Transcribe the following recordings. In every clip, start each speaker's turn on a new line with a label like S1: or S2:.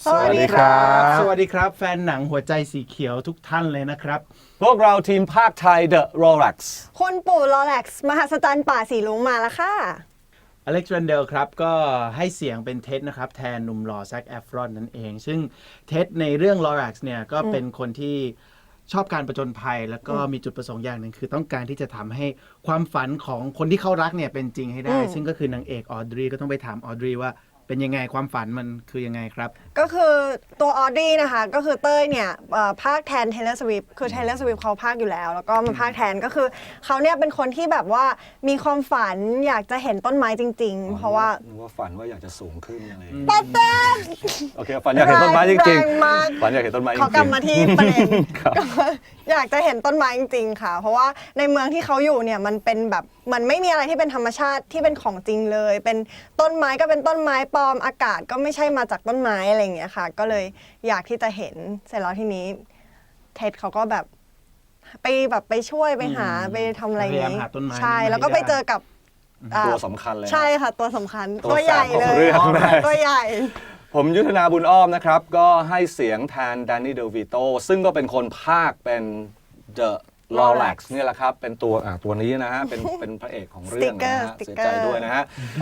S1: สวัสดีครับแฟนหนังหัวใจสีเขียวทุกท่านเลยนะครับ
S2: พวกเราทีมภาคไทย The Rolex
S3: คุณปู่ลอแร็กซ์มหัศจรรย์ป่าสีลุงมาแล้วค่ะ
S1: อเล็กซ์ แรนเดลครับก็ให้เสียงเป็นเท็ดนะครับแทนหนุ่มหล่อแซค แอฟรอนนั่นเองซึ่งเท็ดในเรื่องลอแร็กซ์เนี่ยก็เป็นคนที่ชอบการประจนภัยแล้วก็มีจุดประสงค์อย่างหนึ่งคือต้องการที่จะทำให้ความฝันของคนที่เขารักเนี่ยเป็นจริงให้ได้ซึ่งก็คือนางเอกออดรีก็ต้องไปถามออดรีว่าเป็นยังไงความฝันมันคือยังไงครับ
S3: ก็คือตัวออดี้นะคะก็คือเต้ยเนี่ยภาคแทน Taylor Swift คือ Taylor Swift เขาภาคอยู่แล้วก็มาภาคแทนก็คือเขาเนี่ยเป็นคนที่แบบว่ามีความฝันอยากจะเห็นต้นไม้จริงๆเพราะว่า
S2: ฝันว่าอยากจะสูงขึ้นอะไร
S3: ปะเต้
S2: โอเคฝันอยากเห็นต้นไม้จริงๆฝันอยากเห็นต้นไม้จริงๆ
S3: เขากลับมาที่ประเด็นอยากจะเห็นต้นไม้จริงๆค่ะเพราะว่าในเมืองที่เขาอยู่เนี่ยมันเป็นแบบมันไม่มีอะไรที่เป็นธรรมชาติที่เป็นของจริงเลยเป็นต้นไม้ก็เป็นต้นไม้ปลอมอากาศก็ไม่ใช่มาจากต้นไม้อะไรอย่างเงี้ยค่ะก็เลยอยากที่จะเห็นเสร็จแล้วทีนี้เท็ดเขาก็แบบไปช่วยไปหาไปทำอะไรอย่างงี้ใช่แล้วก็ไปเจอกับ
S2: ตัวสำคัญเลย
S3: ใช่ค่ะตัวสำคัญตัวใหญ่เลยตัวใหญ่
S2: ผมยุทธนาบุญอ้อมนะครับก็ให้เสียงแทนแดนนี่เดลวิโตซึ่งก็เป็นคนภาคเป็น The Rolex นี่แหละครับเป็นตัวนี้นะฮะเป็นพระเอกของเรื่องนะฮะเสียใจด้วยนะฮะ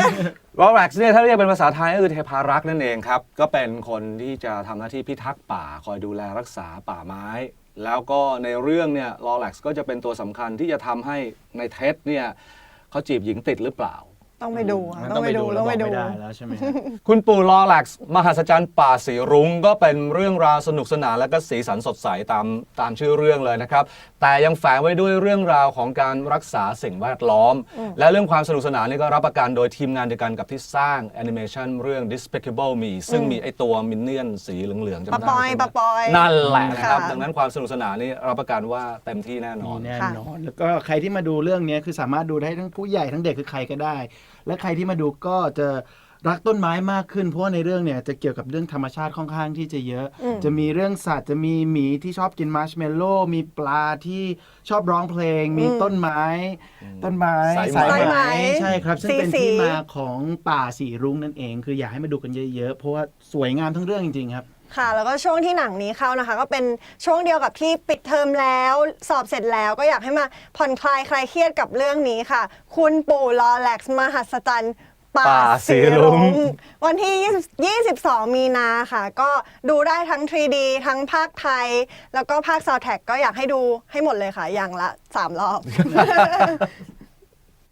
S2: Rolex เนี่ยถ้าเรียกเป็นภาษาไทยก็คือเทพารักษ์นั่นเองครับก็เป็นคนที่จะทำหน้าที่พิทักษ์ป่าคอยดูแลรักษาป่าไม้แล้วก็ในเรื่องเนี่ย Rolex ก็จะเป็นตัวสำคัญที่จะทำให้ในเท็ดเนี่ยเขาจีบหญิงติดหรือเปล่า
S3: ต้องไปดูไม่
S1: ได้แล้วใช่ไหม
S2: คุณปู่ลอแร็กซ์มหัศจรรย์ป่าสีรุ้งก็เป็นเรื่องราวสนุกสนานและก็สีสันสดใสตามชื่อเรื่องเลยนะครับแต่ยังแฝงไว้ด้วยเรื่องราวของการรักษาสิ่งแวดล้อมและเรื่องความสนุกสนานนี่ก็รับประกันโดยทีมงานเดียวกันกับที่สร้างแอนิเมชันเรื่อง Despicable Me ซึ่งมีไอตัวมินเนี่ยนสีเหลืองๆจำได้ไหม
S3: ปะปอย
S2: นั่นแหละนะครับดังนั้นความสนุกสนานนี่รับประกันว่าเต็มที่แน่นอน
S1: แล้วก็ใครที่มาดูเรื่องนี้คือสามารถดูได้ทั้งผู้ใหญ่ทั้งเด็กคือใครก็ได้และใครที่มาดูก็จะรักต้นไม้มากขึ้นเพราะว่าในเรื่องเนี่ยจะเกี่ยวกับเรื่องธรรมชาติค่อนข้างที่จะเยอะจะมีเรื่องสัตว์จะมีหมีที่ชอบกินมาร์ชเมลโล่มีปลาที่ชอบร้องเพลงมีต้นไม้สายไหมใช่ครับซึ่งเป็นที่มาของป่าสีรุ้งนั่นเองคืออยากให้มาดูกันเยอะๆเพราะว่าสวยงามทั้งเรื่องจริงๆครับ
S3: ค่ะแล้วก็ช่วงที่หนังนี้เข้านะคะก็เป็นช่วงเดียวกับที่ปิดเทอมแล้วสอบเสร็จแล้วก็อยากให้มาผ่อนคลายคลายเครียดกับเรื่องนี้ค่ะคุณปู่ลอแร็กซ์มหัศจรรย์ป่าสีรุ้งวันที่22 มีนาค่ะก็ดูได้ทั้ง 3D ทั้งภาคไทยแล้วก็ภาคซาวด์แทร็กก็อยากให้ดูให้หมดเลยค่ะอย่างละ3 รอบ